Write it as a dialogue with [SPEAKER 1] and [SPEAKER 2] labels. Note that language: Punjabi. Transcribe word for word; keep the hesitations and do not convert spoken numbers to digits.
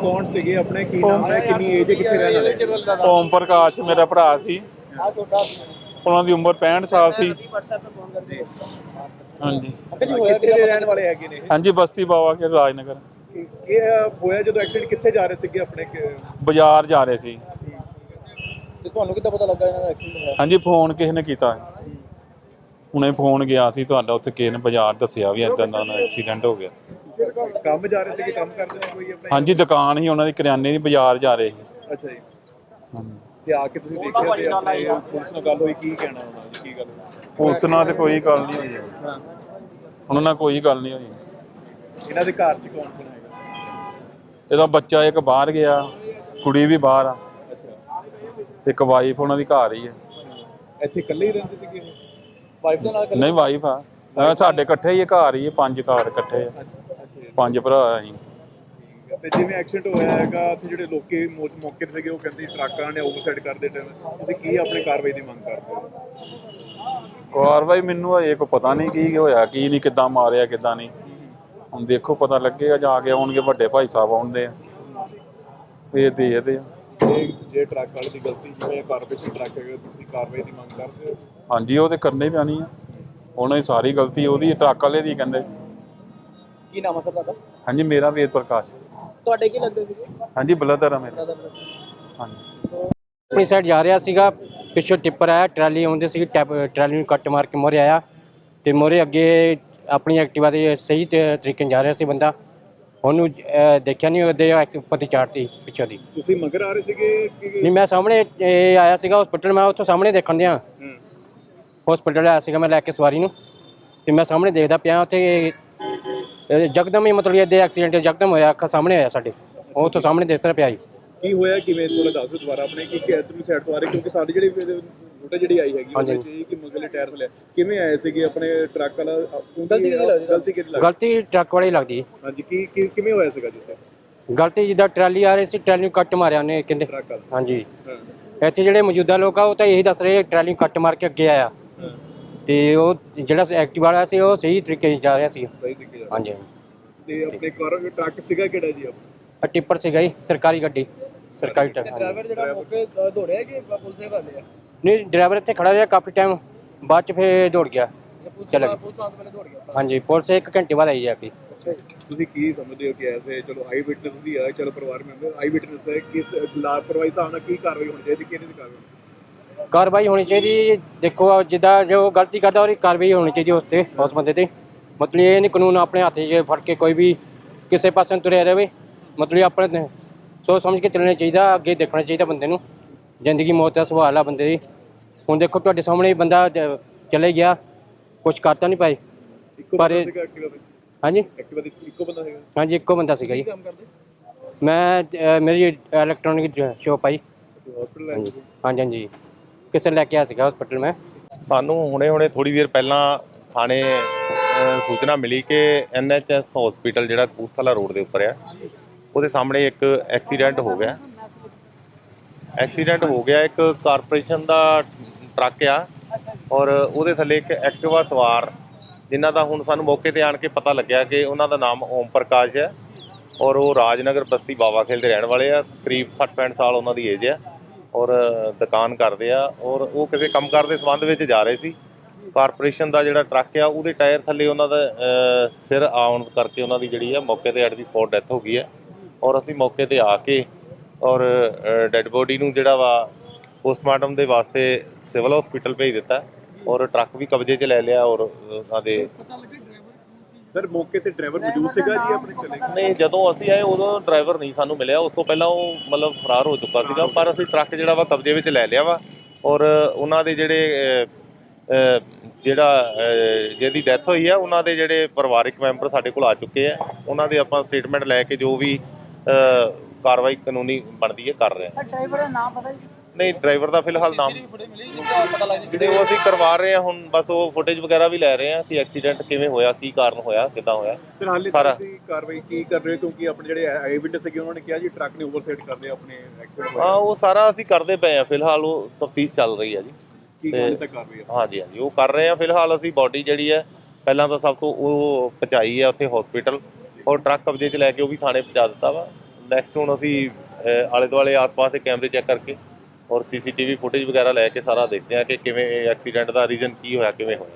[SPEAKER 1] कौन सीगे अपने की नाम है कितनी एज है कितने रहने वाले
[SPEAKER 2] ओम प्रकाश मेरा भरा सी ਉਹਨਾਂ ਦੀ ਉਮਰ पैंठ साल सी ਹਾਂਜੀ
[SPEAKER 1] ਕਿੱਥੇ ਦੇ ਰਹਿਣ ਵਾਲੇ ਹੈਗੇ ਨੇ
[SPEAKER 2] ਹਾਂਜੀ ਬਸਤੀ ਬਾਵਾ ਕੇ ਰਾਜਨਗਰ
[SPEAKER 1] ਇਹ ਹੋਇਆ ਜਦੋਂ ਐਕਸੀਡੈਂਟ ਕਿੱਥੇ ਜਾ ਰਹੇ ਸੀਗੇ ਆਪਣੇ
[SPEAKER 2] ਬਾਜ਼ਾਰ ਜਾ ਰਹੇ ਸੀ
[SPEAKER 1] ਤੇ ਤੁਹਾਨੂੰ ਕਿੱਦਾਂ ਪਤਾ ਲੱਗਾ ਇਹਨਾਂ ਦਾ ਐਕਸੀਡੈਂਟ ਹੋਇਆ
[SPEAKER 2] ਹਾਂਜੀ ਫੋਨ ਕਿਸੇ ਨੇ ਕੀਤਾ ਹੁਣੇ ਫੋਨ ਗਿਆ ਸੀ ਤੁਹਾਡਾ ਉੱਥੇ ਕਿਸੇ ਨੇ ਬਾਜ਼ਾਰ ਦੱਸਿਆ ਵੀ ਇਦਾਂ ਦਾ ਐਕਸੀਡੈਂਟ ਹੋ ਗਿਆ
[SPEAKER 1] ਕੰਮ ਜਾ ਰਹੇ ਸੀਗੇ ਕੰਮ ਕਰਦੇ ਨੇ ਕੋਈ ਆਪਣੇ
[SPEAKER 2] ਹਾਂਜੀ ਦੁਕਾਨ ਸੀ ਉਹਨਾਂ ਦੀ ਕਰਿਆਨੇ ਦੀ ਬਾਜ਼ਾਰ ਜਾ ਰਹੇ ਸੀ
[SPEAKER 1] ਅੱਛਾ ਜੀ
[SPEAKER 2] ਹਾਂਜੀ
[SPEAKER 1] ਤੇ ਆ ਕੇ ਤੁਸੀਂ ਦੇਖਿਆ ਤੇ ਆਪਣੇ ਪੁਲਿਸ ਨਾਲ ਗੱਲ ਹੋਈ ਕੀ ਕਹਿਣਾ ਉਹਨਾਂ ਦੀ ਕੀ ਗੱਲ
[SPEAKER 2] ਪੁਲਿਸ ਨਾਲ ਤੇ ਕੋਈ ਗੱਲ ਨਹੀਂ ਹੋਈ ਉਹਨਾਂ ਨਾਲ ਕੋਈ ਗੱਲ ਨਹੀਂ ਹੋਈ
[SPEAKER 1] ਇਹਨਾਂ ਦੇ ਘਰ 'ਚ ਕੌਣ ਕੌਣ ਹੈਗਾ
[SPEAKER 2] ਇਹਦਾ ਬੱਚਾ ਇੱਕ ਬਾਹਰ ਗਿਆ ਕੁੜੀ ਵੀ ਬਾਹਰ ਆ
[SPEAKER 1] ਅੱਛਾ
[SPEAKER 2] ਇੱਕ ਵਾਈਫ ਉਹਨਾਂ ਦੀ ਘਰ ਹੀ ਹੈ
[SPEAKER 1] ਇੱਥੇ ਇਕੱਲੇ ਹੀ ਰਹਿੰਦੇ ਸੀਗੇ ਵਾਈਫ ਦੇ ਨਾਲ
[SPEAKER 2] ਨਹੀਂ ਵਾਈਫ ਆ ਅਹ ਸਾਡੇ ਇਕੱਠੇ ਹੀ ਘਰ ਹੀ ਪੰਜ ਘਰ ਇਕੱਠੇ ਆ ਪੰਜ ਭਰਾ ਅਸੀਂ
[SPEAKER 1] ਤੇ ਜਿਵੇਂ ਐਕਸੀਡੈਂਟ ਹੋਇਆ ਹੈਗਾ ਤੇ ਜਿਹੜੇ ਲੋਕੀ ਮੌਕੇ ਤੇ ਸੀਗੇ ਉਹ ਕਹਿੰਦੇ ਟਰੱਕਾਂ ਨੇ ਓਵਰਸਾਈਡ ਕਰਦੇ ਟਾਈਮ ਤੁਸੀਂ ਕੀ ਆਪਣੀ ਕਾਰਵਾਈ ਦੀ ਮੰਗ ਕਰਦੇ ਹੋ
[SPEAKER 2] ਕਾਰਵਾਈ ਮੈਨੂੰ ਇਹ ਕੋਈ ਪਤਾ ਨਹੀਂ ਕੀ ਹੋਇਆ ਕੀ ਨਹੀਂ ਕਿੱਦਾਂ ਮਾਰਿਆ ਕਿੱਦਾਂ ਨਹੀਂ ਹੁਣ ਦੇਖੋ ਪਤਾ ਲੱਗੇਗਾ ਜਾ ਕੇ ਆਉਣਗੇ ਵੱਡੇ ਭਾਈ ਸਾਹਿਬ ਆਉਂਦੇ ਆ ਫੇਰ ਦੇਖਦੇ ਆ
[SPEAKER 1] ਜੇ ਜੇ ਟਰੱਕ ਵਾਲੇ ਦੀ ਗਲਤੀ ਜਿਵੇਂ ਕਾਰਪੋਰੇਸ਼ਨ ਟਰੱਕ ਹੈਗਾ ਤੁਸੀਂ ਕਾਰਵਾਈ ਦੀ ਮੰਗ ਕਰਦੇ ਹੋ
[SPEAKER 2] ਹਾਂਜੀ ਉਹ ਤੇ ਕਰਨੀ ਪੈਣੀ ਆ ਉਹਨਾਂ ਦੀ ਸਾਰੀ ਗਲਤੀ ਉਹਦੀ ਟਰੱਕ ਵਾਲੇ ਦੀ ਕਹਿੰਦੇ
[SPEAKER 1] ਕੀ ਨਾਮ ਹੈ ਸਰ ਤੁਹਾਡਾ
[SPEAKER 2] ਹਾਂਜੀ ਮੇਰਾ ਵੇਦ ਪ੍ਰਕਾਸ਼
[SPEAKER 1] ਤੁਹਾਡੇ ਕੀ ਲੱਗਦੇ ਸੀਗੇ
[SPEAKER 2] ਹਾਂਜੀ ਬਲਦਰ ਆ ਮੇਰਾ ਹਾਂਜੀ
[SPEAKER 3] ਆਪਣੀ ਸਾਈਡ ਜਾ ਰਿਹਾ ਸੀਗਾ ਪਿੱਛੋਂ ਟਿੱਪਰ ਆਇਆ ਟਰਾਲੀ ਆਉਂਦੀ ਸੀ ਟਰਾਲੀ ਨੂੰ ਕੱਟ ਮਾਰ ਕੇ ਮੋਰੇ ਆਇਆ ਤੇ ਮੋਰੇ ਅੱਗੇ ਆਪਣੀ ਐਕਟਿਵਾ ਤੇ ਸਹੀ ਤਰੀਕੇ ਨਾਲ ਜਾ ਰਿਹਾ ਸੀ ਬੰਦਾ ਉਹਨੂੰ ਦੇਖਿਆ ਨਹੀਂ ਉਹਦੇ ਉੱਪਰ ਦੀ ਚਾੜਤੀ ਪਿੱਛੋਂ ਦੀ
[SPEAKER 1] ਤੁਸੀਂ ਮਗਰ ਆ ਰਹੇ ਸੀਗੇ
[SPEAKER 3] ਨਹੀਂ ਮੈਂ ਸਾਹਮਣੇ ਆਇਆ ਸੀਗਾ ਹਸਪੀਟਲ ਮੈਂ ਉੱਥੋਂ ਸਾਹਮਣੇ ਦੇਖਣ ਦਿਆਂ ਹਸਪੀਟਲ ਆਇਆ ਸੀਗਾ ਮੈਂ ਲੈ ਕੇ ਸਵਾਰੀ ਨੂੰ ਤੇ ਮੈਂ ਸਾਹਮਣੇ ਦੇਖਦਾ ਪਿਆ ਉੱਥੇ ਜਕਦਮ ਹੀ ਮਤਲਬ ਇਹਦੇ ਐਕਸੀਡੈਂਟ ਜਕਦਮ ਹੋਇਆ ਅੱਖਾਂ ਸਾਹਮਣੇ ਆਇਆ ਸਾਡੇ ਉਹ ਉੱਥੋਂ ਸਾਹਮਣੇ ਦੇਖ ਰਿਹਾ ਪਿਆ ਜੀ
[SPEAKER 1] ਕੀ ਹੋਇਆ ਕਿਵੇਂ ਥੋੜਾ ਦੱਸ ਦਿਓ ਦੁਬਾਰਾ ਆਪਣੇ ਕਿ ਇਧਰਲੀ ਸਾਈਡ ਤੋਂ ਆ ਰਹੇ ਕਿਉਂਕਿ ਸਾਡੀ ਜਿਹੜੀ ਫੋਟੋ ਜਿਹੜੀ ਆਈ ਹੈਗੀ ਉਹਦੇ ਵਿੱਚ ਇਹ ਕਿ ਮਗਲੇ ਟਾਇਰ ਥੱਲੇ ਕਿਵੇਂ ਆਏ ਸੀਗੇ ਆਪਣੇ ਟਰੱਕ ਵਾਲਾ ਗਲਤੀ ਗਲਤੀ ਕਿਹਦੀ ਲੱਗਦੀ
[SPEAKER 3] ਗਲਤੀ ਟਰੱਕ ਵਾਲੀ ਲੱਗਦੀ
[SPEAKER 1] ਹਾਂਜੀ ਕੀ ਕਿਵੇਂ ਹੋਇਆ ਸੀਗਾ ਜਿੱਥੇ
[SPEAKER 3] ਗਲਤੀ ਜਿੱਦਾਂ ਟਰਾਲੀ ਆ ਰਹੀ ਸੀ ਟਰਾਲੀ ਨੂੰ ਕੱਟ ਮਾਰਿਆ ਉਹਨੇ ਕਹਿੰਦੇ
[SPEAKER 1] ਟਰੱਕ ਵਾਲਾ
[SPEAKER 3] ਹਾਂਜੀ ਇੱਥੇ ਜਿਹੜੇ ਮੌਜੂਦਾ ਲੋਕ ਆ ਉਹ ਤਾਂ ਇਹੀ ਦੱਸ ਰਹੇ ਟਰਾਲੀ ਨੂੰ ਕੱਟ ਮਾਰ ਕੇ ਅੱਗੇ ਆਇਆ ਤੇ ਉਹ ਜਿਹੜਾ ਐਕਟਿਵਾ ਵਾਲਾ ਸੀ ਉਹ ਸਹੀ ਤਰੀਕੇ ਨਾਲ ਜਾ ਰਿਹਾ ਸੀ
[SPEAKER 1] ਸਹੀ ਤਰੀਕੇ ਨਾਲ
[SPEAKER 3] ਹਾਂਜੀ
[SPEAKER 1] ਤੇ ਆਪਣੇ ਕਾਰ ਟਰੱਕ ਸੀਗਾ ਕਿਹੜਾ ਜੀ
[SPEAKER 3] ਆ ਟਿੱਪਰ ਸੀਗਾ ਜੀ ਸਰਕਾਰੀ ਗੱਡੀ ਸਰਕਾਰੀ ਟਰੱਕ
[SPEAKER 1] ਡਰਾਈਵਰ ਜਿਹੜਾ ਮੌਕੇ ਦੌੜਿਆ ਕਿ ਪੁਲਿਸ ਦੇ ਵਾਲੇ ਆ
[SPEAKER 3] ਨਹੀਂ ਡਰਾਈਵਰ ਇੱਥੇ ਖੜਾ ਰਿਹਾ ਕਾਫੀ ਟਾਈਮ ਬਾਅਦ ਚ ਫੇਰ ਦੌੜ ਗਿਆ ਚਲਾ ਗਿਆ
[SPEAKER 1] ਪੁਲਿਸ ਆਉਣ ਤੋਂ ਪਹਿਲੇ ਦੌੜ ਗਿਆ
[SPEAKER 3] ਹਾਂਜੀ ਪੁਲਿਸ ਇੱਕ ਘੰਟੇ ਬਾਅਦ ਆਈ ਜਾ ਕੇ
[SPEAKER 1] ਤੁਸੀਂ ਕੀ ਸਮਝਦੇ ਹੋ ਕਿ ਐਸੇ ਚਲੋ ਆਈ ਵਿਟਨੈਸ ਵੀ ਆ ਚਲੋ ਪਰਿਵਾਰ ਮੈਂਬਰ ਆਈ ਵਿਟਨੈਸ ਹੈ ਕਿਸ ਲਾਪਰਵਾਹੀ ਹਿਸਾਬ ਨਾਲ ਕੀ ਕਾਰਵਾਈ ਹੋਣੀ ਚਾਹੀਦੀ ਕਿਹਨੇ ਦੀ ਕਾਰਵਾਈ
[SPEAKER 3] ਕਾਰਵਾਈ ਹੋਣੀ ਚਾਹੀਦੀ ਦੇਖੋ ਜਿੱਦਾਂ ਜੋ ਗਲਤੀ ਕਰਦਾ ਉਹਦੀ ਕਾਰਵਾਈ ਹੋਣੀ ਚਾਹੀਦੀ ਉਸ ਤੇ ਉਸ ਬੰਦੇ ਤੇ ਮਤਲਬ ਇਹ ਨਹੀਂ ਕਾਨੂੰਨ ਆਪਣੇ ਹੱਥ 'ਚ ਫੜ ਕੇ ਕੋਈ ਵੀ ਕਿਸੇ ਪਾਸੇ ਤੁਰਿਆ ਰਹੇ ਮਤਲਬ ਆਪਣੇ ਸੋਚ ਸਮਝ ਕੇ ਚੱਲਣਾ ਚਾਹੀਦਾ ਅੱਗੇ ਦੇਖਣਾ ਚਾਹੀਦਾ ਬੰਦੇ ਨੂੰ ਜ਼ਿੰਦਗੀ ਮੌਤ ਦਾ ਸਵਾਲ ਆ ਬੰਦੇ ਦੀ ਹੁਣ ਦੇਖੋ ਤੁਹਾਡੇ ਸਾਹਮਣੇ ਬੰਦਾ ਚਲੇ ਗਿਆ ਕੁਛ ਕਰਤਾ ਨਹੀਂ ਪਾਏ ਪਰ ਹਾਂਜੀ
[SPEAKER 1] ਇੱਕੋ ਬੰਦਾ ਹੈਗਾ
[SPEAKER 3] ਹਾਂਜੀ ਇੱਕੋ ਬੰਦਾ ਸੀਗਾ ਜੀ ਮੈਂ ਮੇਰੀ ਇਲੈਕਟ੍ਰੋਨਿਕ ਸ਼ੋਪ ਆਈ ਹਾਂਜੀ ਹਾਂਜੀ ਕਿਸੇ ਲੈ ਕੇ ਆਇਆ ਸੀਗਾ ਹਸਪੀਟਲ ਮੈਂ
[SPEAKER 4] ਸਾਨੂੰ ਹੁਣੇ ਹੁਣੇ ਥੋੜੀ ਦੇਰ ਪਹਿਲਾਂ ਥਾਣੇ ਸੂਚਨਾ ਮਿਲੀ ਕਿ ਐਨ ਐਚ ਐਸ ਹਸਪੀਟਲ ਜਿਹੜਾ ਕਪੂਰਥਲਾ ਰੋਡ ਦੇ ਉੱਪਰ ਆ ਉਹਦੇ ਸਾਹਮਣੇ ਇੱਕ ਐਕਸੀਡੈਂਟ ਹੋ ਗਿਆ ਐਕਸੀਡੈਂਟ ਹੋ ਗਿਆ ਇੱਕ ਕਾਰਪੋਰੇਸ਼ਨ ਦਾ ਟਰੱਕ ਆ ਔਰ ਉਹਦੇ ਥੱਲੇ ਇੱਕ ਐਕਟਿਵਾ ਸਵਾਰ ਜਿਨ੍ਹਾਂ ਦਾ ਹੁਣ ਸਾਨੂੰ ਮੌਕੇ 'ਤੇ ਆਣ ਕੇ ਪਤਾ ਲੱਗਿਆ ਕਿ ਉਹਨਾਂ ਦਾ ਨਾਮ ਓਮ ਪ੍ਰਕਾਸ਼ ਹੈ ਔਰ ਉਹ ਰਾਜਨਗਰ ਬਸਤੀ ਬਾਵਾ ਖੇਲ ਦੇ ਰਹਿਣ ਵਾਲੇ ਆ ਕਰੀਬ ਸੱਠ ਪੈਂਹਠ ਸਾਲ ਉਹਨਾਂ ਦੀ ਏਜ ਆ ਔਰ ਦੁਕਾਨ ਕਰਦੇ ਆ ਔਰ ਉਹ ਕਿਸੇ ਕੰਮਕਾਰ ਦੇ ਸੰਬੰਧ ਵਿੱਚ ਜਾ ਰਹੇ ਸੀ ਕਾਰਪੋਰੇਸ਼ਨ ਦਾ ਜਿਹੜਾ ਟਰੱਕ ਆ ਉਹਦੇ ਟਾਇਰ ਥੱਲੇ ਉਹਨਾਂ ਦਾ ਸਿਰ ਆਉਣ ਕਰਕੇ ਉਹਨਾਂ ਦੀ ਜਿਹੜੀ ਆ ਮੌਕੇ 'ਤੇ ਐਟ ਦੀ ਸਪੌਟ ਡੈਥ ਹੋ ਗਈ ਹੈ ਔਰ ਅਸੀਂ ਮੌਕੇ 'ਤੇ ਆ ਕੇ ਔਰ ਡੈੱਡ ਬੋਡੀ ਨੂੰ ਜਿਹੜਾ ਵਾ ਪੋਸਟਮਾਰਟਮ ਦੇ ਵਾਸਤੇ ਸਿਵਲ ਹਸਪੀਟਲ ਭੇਜ ਦਿੱਤਾ ਔਰ ਟਰੱਕ ਵੀ ਕਬਜ਼ੇ 'ਚ ਲੈ ਲਿਆ ਔਰ ਉਹਨਾਂ ਦੇ
[SPEAKER 1] ਸਰ ਮੌਕੇ ਤੇ ਡਰਾਈਵਰ ਮੌਜੂਦ ਸੀਗਾ ਜੀ ਆਪਣੇ ਚਲੇ
[SPEAKER 4] ਨਹੀਂ ਜਦੋਂ ਅਸੀਂ ਆਏ ਉਦੋਂ ਡਰਾਈਵਰ ਨਹੀਂ ਸਾਨੂੰ ਮਿਲਿਆ ਉਸ ਤੋਂ ਪਹਿਲਾਂ ਉਹ ਮਤਲਬ ਫਰਾਰ ਹੋ ਚੁੱਕਾ ਸੀਗਾ ਪਰ ਅਸੀਂ ਟਰੱਕ ਜਿਹੜਾ ਵਾ ਕਬਜ਼ੇ ਵਿੱਚ ਲੈ ਲਿਆ ਵਾ ਔਰ ਉਹਨਾਂ ਦੇ ਜਿਹੜੇ ਜਿਹੜਾ ਜਿਹਦੀ ਡੈਥ ਹੋਈ ਆ ਉਹਨਾਂ ਦੇ ਜਿਹੜੇ ਪਰਿਵਾਰਿਕ ਮੈਂਬਰ ਸਾਡੇ ਕੋਲ ਆ ਚੁੱਕੇ ਆ ਉਹਨਾਂ ਦੇ ਆਪਾਂ ਸਟੇਟਮੈਂਟ ਲੈ ਕੇ ਜੋ ਵੀ ਕਾਰਵਾਈ ਕਾਨੂੰਨੀ ਬਣਦੀ ਹੈ ਕਰ ਰਹੇ ਹਾਂ।
[SPEAKER 1] ਡਰਾਈਵਰ ਦਾ ਨਾਮ ਪਤਾ ਜੀ
[SPEAKER 4] ਨਹੀਂ ਡਰਾਈਵਰ ਦਾ ਫਿਲਹਾਲ ਨਾਮ ਜਿਹੜੇ ਉਹ ਅਸੀਂ ਕਰਵਾ ਰਹੇ ਹਾਂ ਹੁਣ ਬਸ ਉਹ ਫੁਟੇਜ ਵਗੈਰਾ ਵੀ ਲੈ ਰਹੇ ਹਾਂ ਕਿ ਐਕਸੀਡੈਂਟ ਕਿਵੇਂ ਹੋਇਆ ਕੀ ਕਾਰਨ ਹੋਇਆ ਕਿੱਦਾਂ ਹੋਇਆ
[SPEAKER 1] ਸਰ ਹਾਲੇ ਤੁਸੀਂ ਕਾਰਵਾਈ ਕੀ ਕਰ ਰਹੇ ਹੋ ਕਿਉਂਕਿ ਆਪਣੇ ਜਿਹੜੇ ਆਈ ਵਿਟਨੈਸ ਸੀਗੇ ਉਹਨਾਂ ਨੇ ਕਿਹਾ ਜੀ ਟਰੱਕ ਨੇ ਓਵਰਸੇਟ ਕਰਦੇ ਆਪਣੇ ਐਕਸੀਡੈਂਟ
[SPEAKER 4] ਹਾਂ ਉਹ ਸਾਰਾ ਅਸੀਂ ਕਰਦੇ ਪਏ ਹਾਂ ਫਿਲਹਾਲ ਉਹ ਤਫਤੀਸ਼ ਚੱਲ ਰਹੀ ਹੈ ਜੀ
[SPEAKER 1] ਕੀ ਹਾਲੇ ਤੱਕ ਕਰ ਰਹੀ ਹੈ
[SPEAKER 4] ਹਾਂਜੀ ਹਾਂਜੀ ਉਹ ਕਰ ਰਹੇ ਹਾਂ ਫਿਲਹਾਲ ਅਸੀਂ ਬੋਡੀ ਜਿਹੜੀ ਹੈ ਪਹਿਲਾਂ ਤਾਂ ਸਭ ਤੋਂ ਉਹ ਪਹੁੰਚਾਈ ਹੈ ਉੱਥੇ ਹਸਪੀਟਲ ਔਰ ਟਰੱਕ ਕਬਜ਼ੇ 'ਚ ਲੈ ਕੇ ਉਹ ਵੀ ਥਾਣੇ ਪਹੁੰਚਾ ਦਿੱਤਾ ਵਾ ਨੈਕਸਟ ਹੁਣ ਅਸੀਂ ਅਹ, ਆਲੇ ਦੁਆਲੇ ਆਸ-ਪਾਸ ਦੇ ਕੈਮਰੇ ਚੈੱਕ ਕਰਕੇ ਔਰ ਸੀਸੀਟੀਵੀ ਫੁਟੇਜ ਵਗੈਰਾ ਲੈ ਕੇ ਸਾਰਾ ਦੇਖਦੇ ਹਾਂ ਕਿ ਕਿਵੇਂ ਐਕਸੀਡੈਂਟ ਦਾ ਰੀਜ਼ਨ ਕੀ ਹੋਇਆ, ਕਿਵੇਂ ਹੋਇਆ।